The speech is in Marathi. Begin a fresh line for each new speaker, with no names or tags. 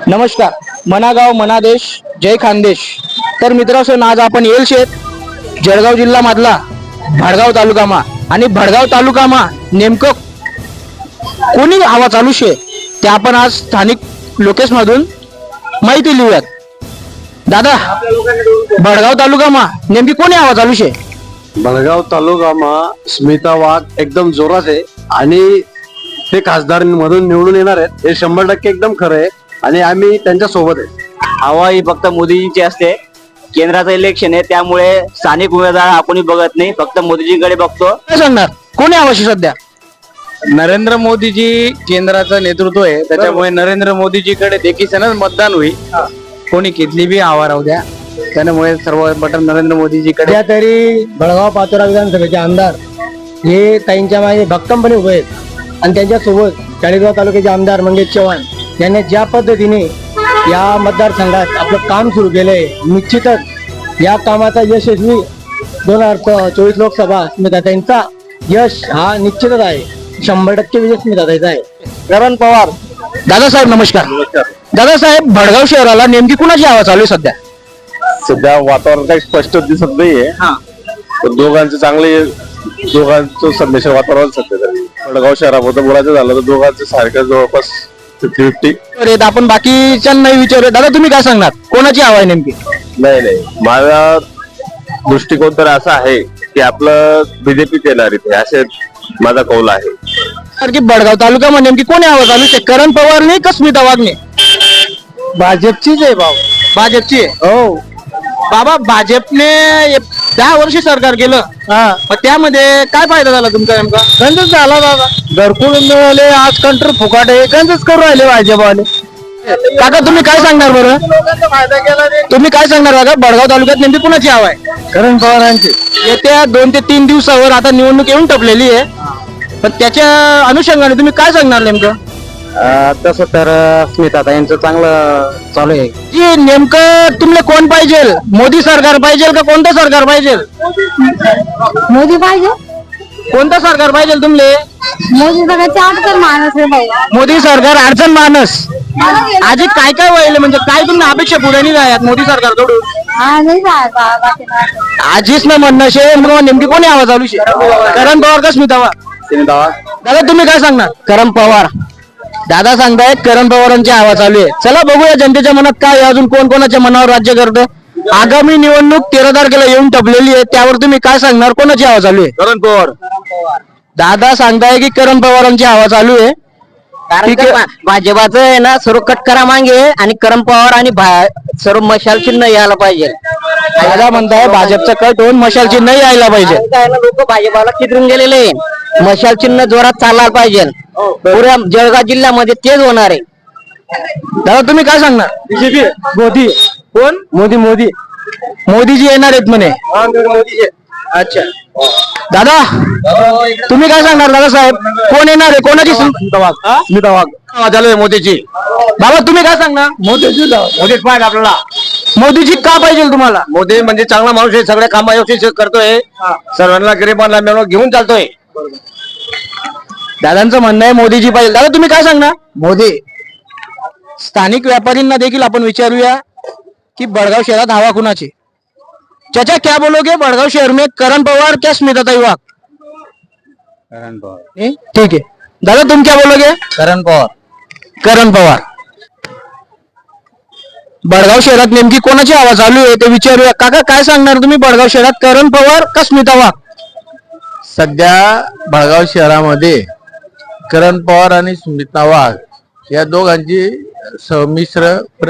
नमस्कार, मनागाव मनादेश जय खानदेश. तर मित्रांनो, आज आपण येल शेत जळगाव जिल्हा मधला भडगाव तालुकामा आणि भडगाव तालुकामा नेमकं कोणी हवा चालू शे ते आपण आज स्थानिक लोकेश मधून माहिती लिहूयात. दादा, भडगाव तालुकामा नेमकी कोणी हवा चालू शे?
भडगाव तालुकामा स्मिता वाघ एकदम जोरात आहे आणि ते खासदारांमधून निवडून येणार आहेत हे 100% एकदम खरं आहे आणि आम्ही त्यांच्या सोबत आहे.
हवा ही फक्त मोदीजींची असते. केंद्राचं इलेक्शन आहे त्यामुळे स्थानिक उमेदवार आपणही बघत नाही, फक्त मोदीजींकडे बघतो.
काय सांगणार कोणी हवा शे सध्या?
नरेंद्र मोदीजी केंद्राचं नेतृत्व आहे त्याच्यामुळे नरेंद्र मोदीजीकडे देखील मतदान होईल. कोणी कितली बी आवा राहू द्या, त्यामुळे सर्व बटन नरेंद्र मोदीजीकडे.
सध्या तरी भडगाव पाचोरा विधानसभेचे आमदार हे ताईंच्या मागे भक्कमपणे उभे आहेत आणि त्यांच्यासोबत चाळीसगाव तालुक्याचे आमदार मंगेश चव्हाण यांनी ज्या पद्धतीने या मतदारसंघात आपलं काम सुरू केलंय, निश्चितच या कामाचा यशस्वी 2024 लोकसभा स्मिताताईंचा यश हा निश्चितच आहे. 100% विजय स्मिताताईचा आहे.
करण पवार. दादासाहेब नमस्कार. दादासाहेब, भडगाव शहराला नेमकी कुणाची हवा चालू आहे सध्या?
सध्या वातावरण काही स्पष्ट दिसत नाहीये, पण दोघांचं संदेश वातावरण सध्या तरी भडगाव शहराबद्दल बोलायचं झालं तर दोघांचं सारखं जवळपास 50-50.
आपण बाकीच्यांना विचारूया. दादा, तुम्ही काय सांगणार कोणाची हवा आहे नेमकी?
नाही, माझा दृष्टिकोन तर असा आहे की आपलं बीजेपी येणार इथे, असे माझा कौल आहे.
तर की भडगाव तालुक्यामध्ये नेमकी कोणी हवा चालू आहे? करण पवारने का स्मिता वाघने?
भाजपचीच आहे भाऊ.
भाजपची आहे.
हो,
बाबा, भाजपने 10 वर्ष सरकार केलं, मग त्यामध्ये काय फायदा झाला तुमचा नेमका?
गंजच झाला दादा. घरकुल मिळाले, आज कंट्रोल फुकाट आहे, गंजच करू राहिले भाजपवाले.
काका, तुम्ही काय सांगणार बरं? तुम्ही काय सांगणार काका, भडगाव तालुक्यात नेमकी कुणाची हवा आहे?
करण पवारांचे.
येत्या 2 ते 3 दिवसावर आता निवडणूक येऊन टपलेली आहे, पण त्याच्या अनुषंगाने तुम्ही काय सांगणार नेमकं?
तसं तर स्मिताताईंचं चांगलं चालू आहे.
की नेमकं तुम्हाला कोण पाहिजे? मोदी सरकार पाहिजे का कोणतं सरकार पाहिजे?
मोदी पाहिजे.
कोणतं सरकार पाहिजे तुमले?
मोदी सगळ्याचे अडचण माणूस आहे भाऊ.
मोदी सरकार अडचण माणस. आजी काय काय व्हायला, म्हणजे काय तुम्ही अपेक्षा पुढे नाही जायात मोदी सरकारकडून?
हा नाही बाकी
आजीच ना म्हणणं शे, मग नेमकी कोणी आवाज चालू शे? करण पवार का स्मिता वाघ? दादा, तुम्ही काय सांगणार? करण पवार. दादा सांगतायत करण पवारांची हवा चालू आहे. चला बघूया जनतेच्या मनात काय आहे, अजून कोण कोणाच्या मनावर राज्य करतं. आगामी निवडणूक 13 तारखेला येऊन टपलेली आहे, त्यावर तुम्ही काय सांगणार? कोणाची हवा चालू आहे?
करण पवार.
दादा सांगताय की करण पवारांची हवा चालू आहे. ठीक आहे.
भाजपाचं आहे ना, सर्व कटकरा मागे आणि करण पवार आणि सर्व मशाल चिन्ह यायला पाहिजे.
दादा म्हणताय भाजपचा कट होऊन मशाल चिन्ह यायला पाहिजे.
लोक भाजपाला चित्रून गेलेले आहे. मशाल चिन्ह जोरात चालला पाहिजे. पुऱ्या जळगाव जिल्ह्यामध्ये तेच होणार आहे.
दादा, तुम्ही काय सांगणार?
बीजेपी मोदी.
कोण?
मोदी.
मोदीजी येणार आहेत म्हणे. अच्छा. दादा, तुम्ही काय सांगणार? दादा साहेब, कोण येणार आहे? कोणाची? स्मिता वाघ.
झालंय मोदीची.
बाबा, तुम्ही काय सांगणार?
मोदीच पाहिजे आपल्याला.
मोदीजी का पाहिजे तुम्हाला?
मोदी म्हणजे चांगला माणूस आहे, सगळे काम व्यवस्थित करतोय, सर्वांना गरिबांना मिळून घेऊन चालतोय.
दादांचं म्हणणं आहे मोदीजी पाहिजे. दादा, तुम्ही काय सांगणार? मोदी. स्थानिक व्यापारींना देखील आपण विचारूया की भडगाव शहरात हवा कुणाची? चाचा, क्या बोलोगे भडगाव शहर में, करण पवार क्या स्मिताताई वाघ?
करण पवार.
ठीक है. दादा, तुम क्या बोलोगे?
करण पवार.
करण पवार. भडगाव शहरात नेमकी कोणाची हवा चालू आहे ते विचारूया. काका, काय सांगणार तुम्ही? भडगाव शहरात करण पवार का स्मिता वाघ?
सध्या भडगाव शहरामध्ये करण पवार आणि स्मिता वाघ या दोघांची संमिश्र